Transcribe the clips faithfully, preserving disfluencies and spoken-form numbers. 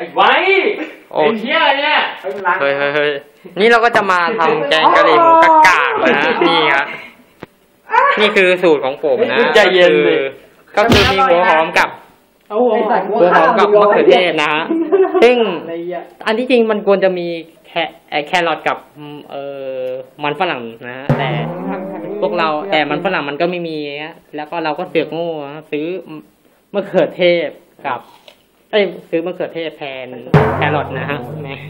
อ้ไว้ไอ้เหี้ยเนี่ยเฮ้ยเฮ้ยเฮ้ยนี่เราก็จะมาทำแกงกะหรี่หมูกะกากนะนี่ครับนี่คือสูตรของผมนะใจเย็นเลยก็คือมีหัวหอมกับหัวหอมกับมะเขือเทศนะฮะซึ่งอันที่จริงมันควรจะมีแคแครอทกับเอ่อมันฝรั่งนะฮะแต่พวกเราแต่มันฝรั่งมันก็ไม่มีแล้วก็เราก็เสือกโง่ซื้อมะเขือเทศกับเอ้ยซื้อมะเขือเทศแทนแครอทนะฮะแม่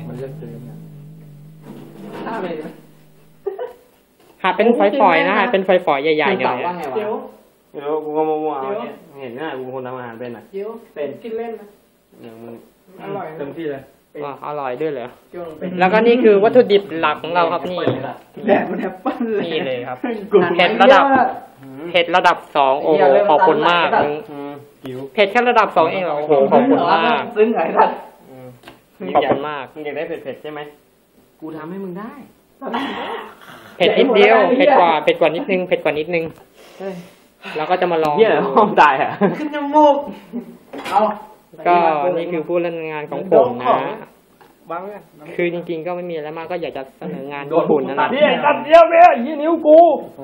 หาเป็นฝอยๆนะฮะเป็นฝอยๆใหญ่ๆเนี่ยเดี๋ยวเดี๋ยวกูก็มัวๆเนี่ยเห็นง่ายกูคนทำอาหารเป็นอ่ะเดี๋ยวเป็นกินเล่นนะอย่างมันอร่อยเต็มที่เลยว่าอร่อยด้วยเหรอแล้วก็นี่คือวัตถุดิบหลักของเราครับนี่แดดมันแอปเปิ้ลเลยนี่เลยครับเผ็ดระดับเผ็ดระดับสองโอ้โหขอบคุณมากเผ็ดแค่ระดับสองเองเหรอโอ้โหขอบคุณมากซึ้งไงล่ะขอบคุณมากมึงอยากได้เผ็ดๆใช่ไหมกูทำให้มึงได้เผ็ดนิดเดียวเผ็ดกว่าเผ็ดกว่านิดนึงเผ็ดกว่านิดนึงแล้วก็จะมาลองเหี้ยห้องตายอ่ะขึ้นจมูกเอาก็นี่คือผู้เล่นงานของผมนะคือจริงๆก็ไม่มีอะไรมากก็อยากจะเสนองานญี่ปุ่นนั่นแหละนี่ตัดเดียวเนี่ยยี่นิ้วกู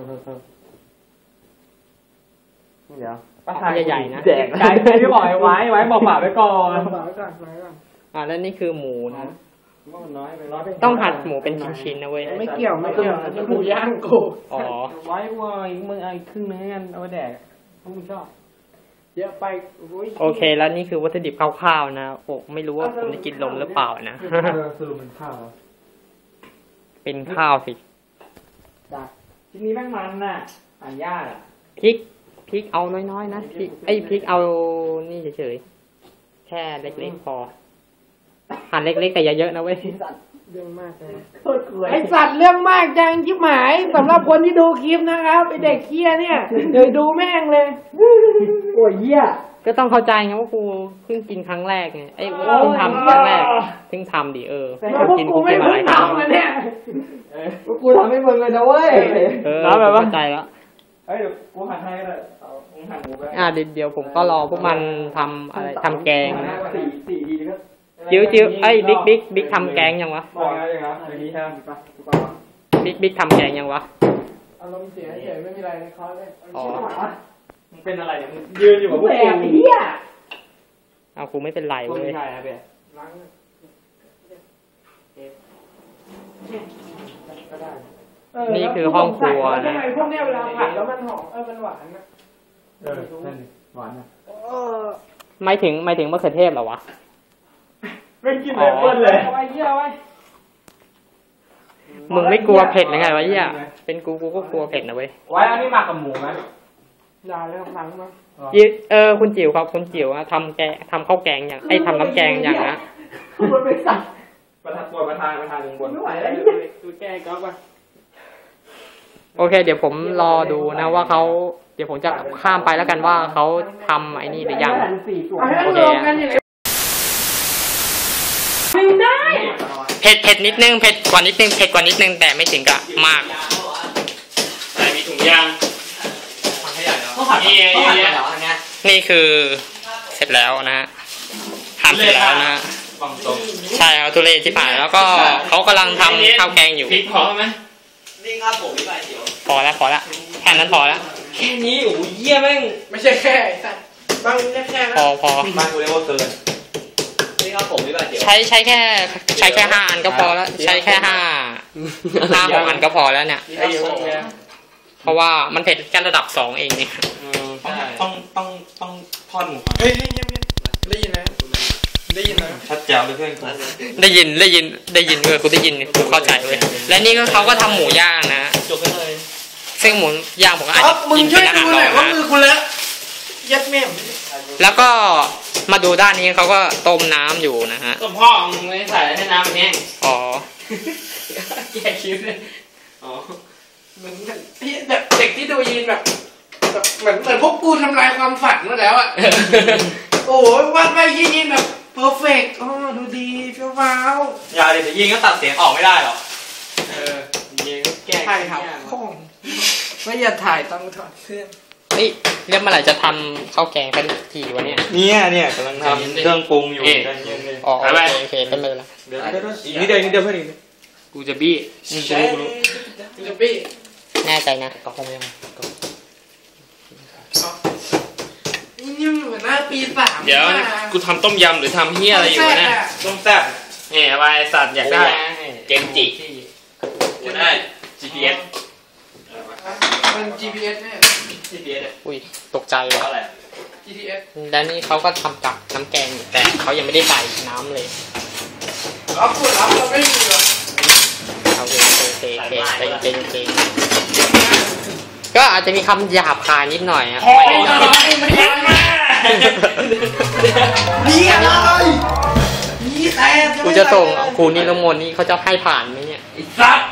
เดี๋ยวปลาทายใหญ่ๆนะแจกใช่ที่บอกไว้ไว้บอกฝากไว้ก่อนฝากไว้ก่อนไว้ก่อนอ่าแล้วนี่คือหมูนะต้องหั่นหมูเป็นชิ้นๆนะเว้ยไม่เกี่ยวไม่เกี่ยวหมูย่างกูอ๋อไว้ว่าอีกมึงเอาครึ่งนึงกันเอาไปแดกถ้ามึงชอบเยอะไปโอเคแล้วนี่คือวัตถุดิบคร่าวๆนะโอ้ไม่รู้ว่าผมจะกินลมหรือเปล่านะสรุปเป็นข้าวเป็นข้าวสิจ้ะทีนี้แม่งมันน่ะหั่นยากอ่ะพริกพริกเอาน้อยๆนะพริกไอ้พริกเอานี่เฉยๆแค่เล็กๆพอหั่นเล็กๆแต่อย่าเยอะนะเว้ยเรื่องมากเลยไอสัตว์เรื่องมากจังชิบหายสำหรับคนที่ดูคลิปนะครับไอเด็กเคี้ยเนี่ยเดี๋ยวดูแม่งเลยโอ้ยเหี้ยก็ต้องเข้าใจไงว่ากูเพิ่งกินครั้งแรกไงไอ้เพิ่งทำครั้งแรกเพิ่งทำดิเออกินกูไม่เพิ่งทำเลยเนี่ยกูทำให้มึงเลยนะเว้ยเออเข้าใจแล้วเฮ้ยกูหั่นให้เลยมึงหั่นหมูไปอ่าเดี๋ยวผมก็รอพวกมันทำอะไรทำแกงนะสี่สี่ดีก็จิ้วจิ้วไอ้บิ๊กบิ๊กบิ๊กทำแกงยังวะบอกอะไรอย่างเงี้ยอย่างนี้ใช่ไหมบิ๊กบิ๊กทำแกงยังวะอารมณ์เสียเฉยไม่มีอะไรในคอร์สเลยอ๋อมึงเป็นอะไรเนี่ยมึงยืนอยู่กับพวกกูเหี้ยเอากูไม่เป็นไรเว้ยนี่คือห้องครัวนะทำไมพวกเนี้ยเวลาผัดแล้วมันหอมเออมันหวานนะเออนั่นหวานนะไม่ถึงไม่ถึงมะเขือเทศหรอวะไม่กินเลยเปิ้ลเลยเอาไอ้เหี้ยไว้มึงไม่กลัวเผ็ดหรือไงวะเหี้ยเป็นกูกูก็กลัวเผ็ดนะเว้ยไว้อันนี้หมักกับหมูไหมได้แล้วหลังมั้งเออคุณจิ๋วครับคุณจิ๋วทำแกทำข้าวแกงอย่างไอ้ทำน้ำแกงอย่างนะมันเป็นสัตว์ประธานปวดประธานประธานลงบนไม่ไหวแล้วดูแกก็ไปโอเคเดี๋ยวผมรอดูนะว่าเขาเดี๋ยวผมจะข้ามไปแล้วกันว่าเขาทำไอ้นี่หรือยังโอเคได้เผ็ดเผ็ดนิดนึงเผ็ดกว่านิดนึงเผ็ดกว่านิดนึงแต่ไม่ถึงกับมากแต่มีถุงยางถังขยะเนาะต้องผัดต้องผัดเหรออันเนี้ยนี่คือเสร็จแล้วนะฮะทำเสร็จแล้วนะใช่ครับทุเรศที่ผ่านแล้วก็เขากำลังทำข้าวแกงอยู่พริกพอไหมนี่ครับผมพี่ใบเขียวพอแล้วพอแล้วแค่นั้นพอแล้วแค่นี้โอ้ยเยี่ยแม่งไม่ใช่แค่บางแค่พอพอบ้านกูเรียกว่าเกินนี่ครับผมพี่ใบเขียวใช้ใช้แค่ใช้แค่ห้าอันก็พอแล้วใช้แค่ห้าห้าหกอันก็พอแล้วเนี่ยเพราะว่ามันเผ็ดแค่ระดับสองเองเนี่ยต้องต้องต้องทอดหมูเฮ้ยเงียบๆได้ยินไหมได้ยินไหมชัดแจ๋วเลยเพื่อนได้ยินได้ยินได้ยินเลยกูได้ยินกูเข้าใจเลยและนี่ก็เขาก็ทำหมูย่างนะจบไปเลยซึ่งหมูย่างผมอาจจะกินเป็นอาหารรองนะมือคุณแล้วยัดแม่มแล้วก็มาดูด้านนี้เขาก็ต้มน้ำอยู่นะฮะต้มพ่อมึงไม่ใส่ให้น้ำแห้งอ๋อแกคิดเลยอ๋อเหมือนแบบเด็กที่ดูยีนแบบเหมือนเหมือนพวกกูทำลายความฝันมาแล้วอ่ะโอ้ยวาดไปยีนแบบเพอร์เฟกต์อ๋อดูดีเฟี้ยวฟ้าวอย่าเดี๋ยวยิงก็ตัดเสียงออกไม่ได้หรอกเออยิงแก้ถ่ายครับไม่อย่าถ่ายต้องถอดเสื้อนี่เรื่องเมื่อไหร่จะทำข้าวแกงกันทีวะเนี่ยเนี่ยเนี่ยกำลังทำเครื่องปรุงอยู่ใจเย็นเลยอ๋อโอเคโอเคเป็นไปแล้วเดี๋ยวเดี๋ยวอีกนิดเดียวนิดเดียวเพื่อนอีกกูจะบี้กูรู้กูรู้กูจะบี้แน่ใจนะก็คงยังนี่เหมือนหน้าปีสามเดี๋ยวกูทำต้มยำหรือทำเฮียอะไรอยู่นะต้มแซ่บเนี่ยอะไรสัตว์อยากได้เกมจิอยากได้ จี พี เอสมัน จี พี เอส เนี่ยจี พี เอสอุ้ยตกใจเลยอะไรจี พี เอสแล้วนี่เขาก็ทำจากน้ำแกงแต่เขายังไม่ได้ใส่น้ำเลยรับกดรับเราไม่มีหรอกโอเคโอเคโอเคเก่งเก่งเก่งก็อาจจะมีคำหยาบคายนิดหน่อยอ่ะไม่ได้ไม่ได้นี่อะไรนี่แต่กูจะส่งครูนิรมนนี่เขาจะให้ผ่านไหมเนี่ยสัตว์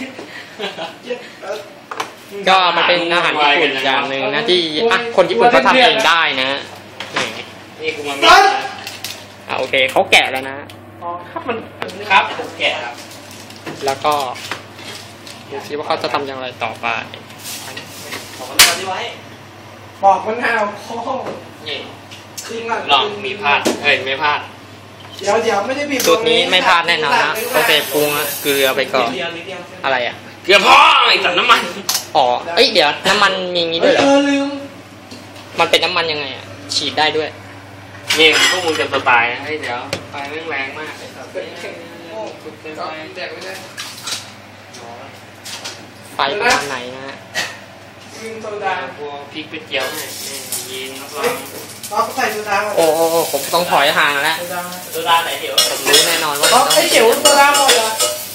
ก็มันเป็นอาหารญี่ปุ่นอย่างหนึ่งนะที่อ่ะคนญี่ปุ่นเขาทำเองได้นะนี่กูมาอ่ะโอเคเขาแกะแล้วนะอ๋อครับมันครับผมแกะครับแล้วก็ดูซิว่าเขาจะทำอย่างไรต่อไปขอมันทำที่ไว้บอกมันเอาข้อนี่จริงลองมีพลาดเฮ้ยไม่พลาดเดี๋ยวเดี๋ยวไม่ได้บีบสูตรนี้ไม่พลาดแน่นอนนะโอเคปรุงเกลือไปก่อนอะไรอ่ะเกลือพ่อไอ้สัตว์น้ำมันอ๋อเอ้ยเดี๋ยวน้ำมันมีงี้ด้วยเหรอเออลืมมันเป็นน้ำมันยังไงอ่ะฉีดได้ด้วยนี่พวกมึงจะสไตล์เฮ้ยเดี๋ยวไฟแม่งแรงมากไอ้สัตว์ไฟประมาณไหนนะฮะโซดาพวกพริกก๋วยเตี๋ยวเนี่ยยินรับรองเราใส่โซดาโอ้โหผมต้องถอยห่างแล้วโซดาไหนเดี๋ยวผมรู้แน่นอนว่าไอ้เดี๋ยวโซดาหมดละ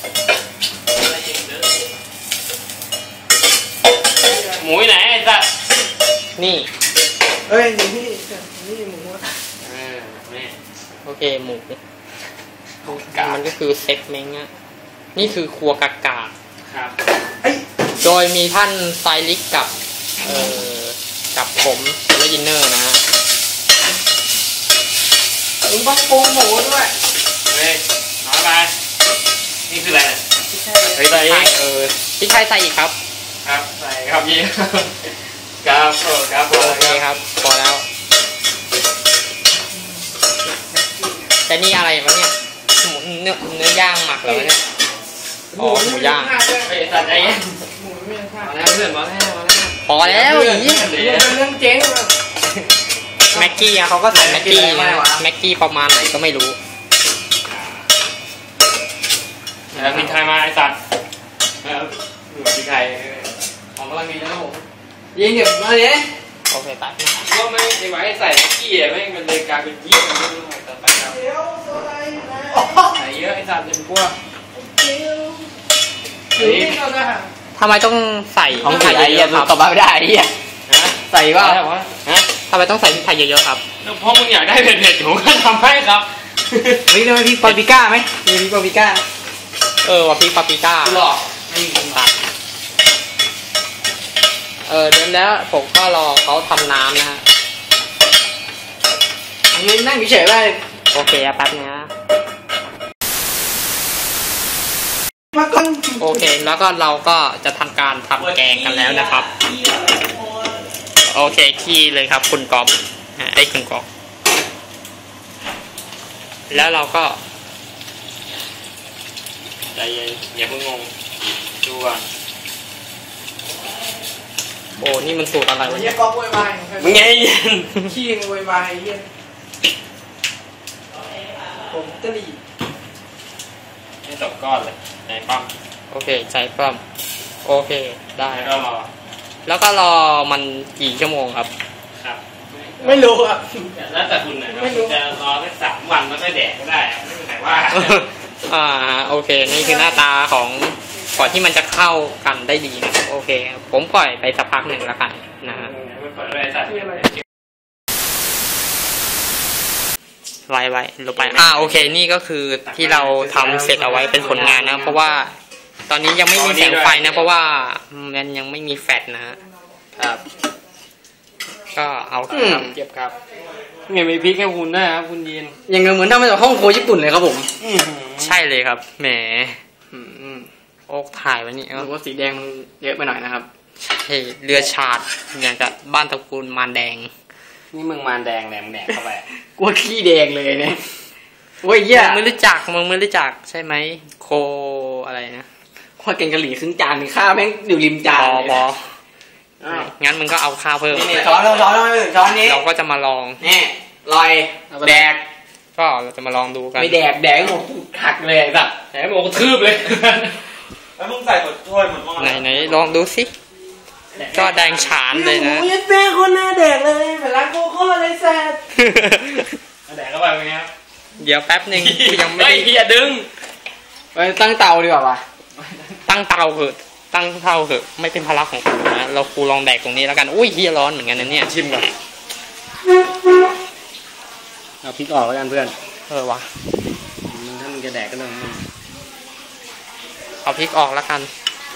หมูไหนไอ้สัตว์นี่เอ้ยนี่นี่นี่หมูเออแม่โอเคหมูมันก็คือเซ็กเม้งอ่ะนี่คือครัวกากาครับโดยมีท่านไซลิกกับเอ่อกับผมและยินเนอร์นะฮะมึงต้องปรุงหมูด้วยเฮ้ยน้อยไปนี่คืออะไรเฮ้ยใส่เออพี่ชายใส่อีกครับครับใส่ครับยี่ครับครับโอเคครับพอแล้วแต่นี่อะไรวะเนี่ยหมูเนื้อเนื้อย่างหมักแล้วเนี่ยอ๋อหมูย่างไอ้สัตว์ไอ้หมูไม่ยังมาแล้วเพื่อนมาแล้วมาแล้วพอแล้วอย่างนี้เรื่องเจ๊งแม็กกี้เขาก็ใส่แม็กกี้นะแม็กกี้ประมาณไหนก็ไม่รู้แล้วพริกไทยมาไอ้สัตว์แล้วหนูพริกไทยของกำลังดีนะผมยิงเดี๋ยวมาเลยโอเคตัดก็ไม่ไอ้ไว้ใส่แม็กกี้อ่ะไม่มันเลยกลายเป็นยี่มันไม่รู้อะไรต่อไปครับใส่เยอะไอ้สัตว์จะเป็นพวกทำไมต้องใส่ของไทยเยอะๆตอบไม่ได้ไอ้เหี้ยใส่ว่าทำไมต้องใส่พริกไทยเยอะๆครับเพราะมึงอยากได้เผ็ดๆผมก็ทำให้ครับมีทำไมพริกปาปริก้าไหมมีพริกปาปริก้าเออว่าพริกปาปริก้าหรอตัดเออเดี๋ยวแล้วผมก็รอเขาทำน้ำนะฮะอันนี้นั่งเฉยๆไปโอเคแป๊บนะโอเคแล้วก็เราก็จะทำการทำแกงกันแล้วนะครับโอเคขี้เลยครับคุณกอบไอ้คุณกอบแล้วเราก็ใจเย็นอย่าเพิ่งงงดูก่อนโอ้นี่มันสูตรอะไรวะเนี่ยก็โวยวายมึงไงเย็นขี้โวยวายเย็นผมตะลีให้ตกก้อนเลยใจปั้มโอเคใจปั้มโอเคได้แล้วก็รอแล้วก็รอมันกี่ชั่วโมงครับครับไม่รู้อ่ะแล้วแต่คุณนะไม่รู้จะรอแค่สามวันแล้วก็แดกก็ได้ไม่เป็นไรว่าอ่าโอเคนี่คือหน้าตาของก่อนที่มันจะเข้ากันได้ดีนะโอเคผมปล่อยไปสักพักหนึ่งแล้วกันนะฮะไว้ไว้ลงไปอ่าโอเคนี่ก็คือที่เราทำเสร็จเอาไว้เป็นผลงานนะเพราะว่าตอนนี้ยังไม่มีแสงไฟนะเพราะว่ามันยังไม่มีแฟลชนะฮะครับก็เอาเก็บครับไงมีพริกให้คุณด้วยครับคุณยินยังเหมือนทำมาจากห้องครัวญี่ปุ่นเลยครับผมใช่เลยครับแหมโอ๊กถ่ายไว้นี่รู้ว่าสีแดงมันเยอะไปหน่อยนะครับเฮ้เรือชาดอย่างกับบ้านตระกูลมารแดงนี่มึงมารแดงแหนมแหนกเข้าไปกลัวขี้แดงเลยเนี่ยโอ้ยเหี้ยมึงไม่รู้จักมึงไม่รู้จักใช่ไหมโคอะไรนะข้าวแกงกะหรี่ครึ่งจานนี่ข้าวแม่งอยู่ริมจานบอเลยบออ้าวงั้นมึงก็เอาข้าวเพิ่มนี่ช้อนช้อนช้อนช้อนนี้เราก็จะมาลองนี่ลอยแดกก็เราจะมาลองดูกันไม่แดกแดกหมดหักเลยแบบแหมบอกกระทืบเลยแล้วมึงใส่หมดถ้วยหมดหม้อไหนไหนลองดูสิก็แดงฉานเลยนะยัดแม่คนหน้าแดกเลยเหมือนร้านโคโค่เลยแซ่บแดกเข้าไปเป็นไงครับเดี๋ยวแป๊บหนึ่งกูยังไม่เฮ้ยได้เฮียดึงไปตั้งเตาดีกว่าวะตั้งเตาเหอะตั้งเตาเหอะไม่เป็นภาระของกูนะเรากูลองแดกตรงนี้แล้วกันอุ้ยเฮียร้อนเหมือนกันนะเนี่ยชิมก่อนเอาพริกออกแล้วกันเพื่อนเออวะมึงถ้ามึงจะแดกก็เรื่องมึงเอาพริกออกแล้วกัน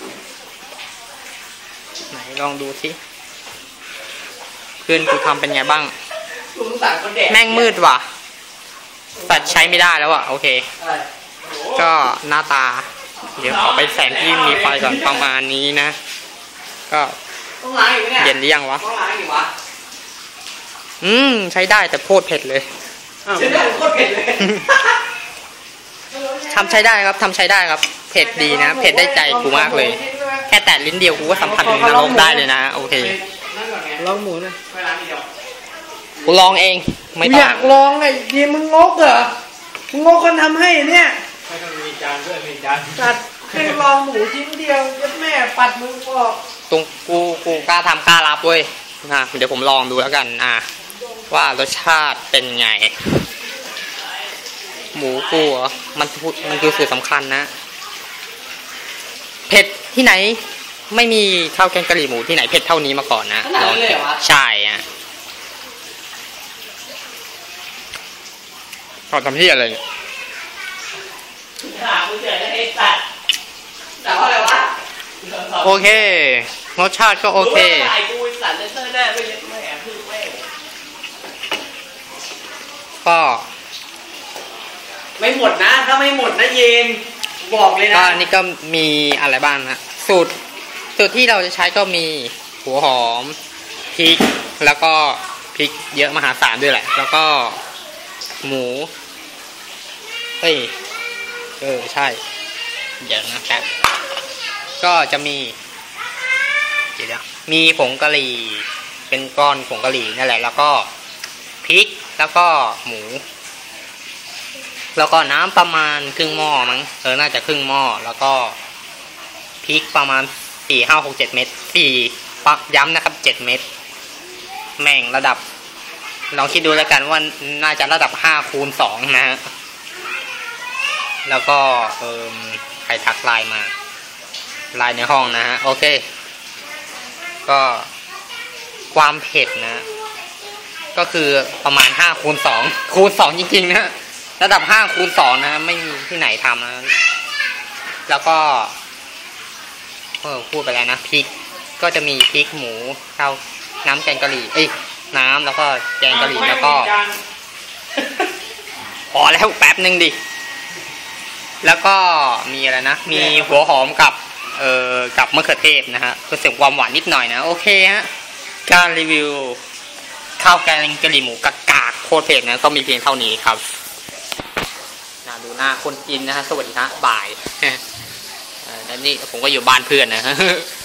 ไหนลองดูสิเพื่อนกูทำเป็นไงบ้างกูสงสารคนแดกแม่งมืดว่ะแฟลชใช้ไม่ได้แล้วอ่ะโอเคอะไรก็หน้าตา เดี๋ยวขอไปแสงที่มีไฟก่อนประมาณนี้นะ ก็ต้องล้างอีกไหมเนี่ยเย็นหรือยังวะต้องล้างอีกวะอืมใช้ได้แต่โคตรเผ็ดเลยเชื่อได้โคตรเผ็ดเลยทำใช้ได้ครับทำใช้ได้ครับ เผ็ดดีนะ เผ็ดได้ใจกูมากเลย แค่แตะลิ้นเดียวกูก็สัมผัสถึงนรกได้เลยนะโอเคนั่นก่อนไงลองหมูนะไปล้างอีกเดียวกูลองเองไม่กูต้ออง ยากลองไอ้ทีมึงงกเหรอมึงงกคนทำให้เนี่ยไม่ต้องมีจานด้วยมีจานจัดแค่ลองหมูชิ้นเดียวยัดแม่ปัดมือออกตรงกูกูกล้าทำกล้ารับเว้ยนะเดี๋ยวผมลองดูแล้วกันอ่ะว่ารสชาติเป็นไง หมูกูเหรอมันพูดมันคือสูตรสำคัญนะเผ็ดที่ไหน ไม่มีข้าวแกงกะหรี่หมูที่ไหนเผ็ดเท่านี้มาก่อนนะลองใช่อ่ะเขาทำที่อะไรเนี่ยถามมึงเฉยเลยไอ้สัตว์แต่ว่าอะไรวะโอเครสชาติก็โอเครู้ว่าถ่ายกูไอ้สัตว์เลเซอร์หน้าไม่เล็กแม่พึ่งแม่ก็ไม่หมดนะถ้าไม่หมดนะเย็นบอกเลยก็นะนี่ก็มีอะไรบ้างนะสูตรสูตรที่เราจะใช้ก็มีหัวหอมพริกแล้วก็พริกเยอะมหาศาลด้วยแหละ แล้วก็หมูเฮ้ยเออใช่เดี๋ยวนะครับก็จะมีเดี๋ยวมีผงกะหรี่เป็นก้อนผงกะหรี่นั่นแหละแล้วก็พริกแล้วก็หมูแล้วก็น้ำประมาณครึ่งหม้อมั้งเออน่าจะครึ่งหม้อแล้วก็พริกประมาณสี่ห้าหกเจ็ดเม็ดสี่ปักย้ำนะครับเจ็ดเม็ดแม่งระดับลองคิดดูแล้วกันว่าน่าจะระดับห้าคูณสองนะฮะแล้วก็เอิมใครทักไลน์มาไลน์ในห้องนะฮะโอเคก็ความเผ็ดนะ ก็คือประมาณห้าคูณสองคูณสองจริงๆนะระดับห้าคูณสองนะไม่มีที่ไหนทำนะแล้วก็เออพูดไปแล้วนะพริกก็จะมีพริกหมูข้าวน้ำแกงกะหรี่เอ้ยน้ำแล้วก็แกงกะหรี่แล้วก็พอแล้วแป๊บนึงดิแล้วก็มีอะไรนะมีหัวหอมกับเอ่อกับมะเขือเทศนะฮะเพื่อเสริมความหวานนิดหน่อยนะโอเคฮะการรีวิวข้าวแกงกะหรี่หมูกากาโคตรเผ็ดนะก็มีเพียงเท่านี้ครับน่าดูหน้าคนกินนะฮะสวัสดีฮะบ่ายแล้วนี่ผมก็อยู่บ้านเพื่อนนะฮะ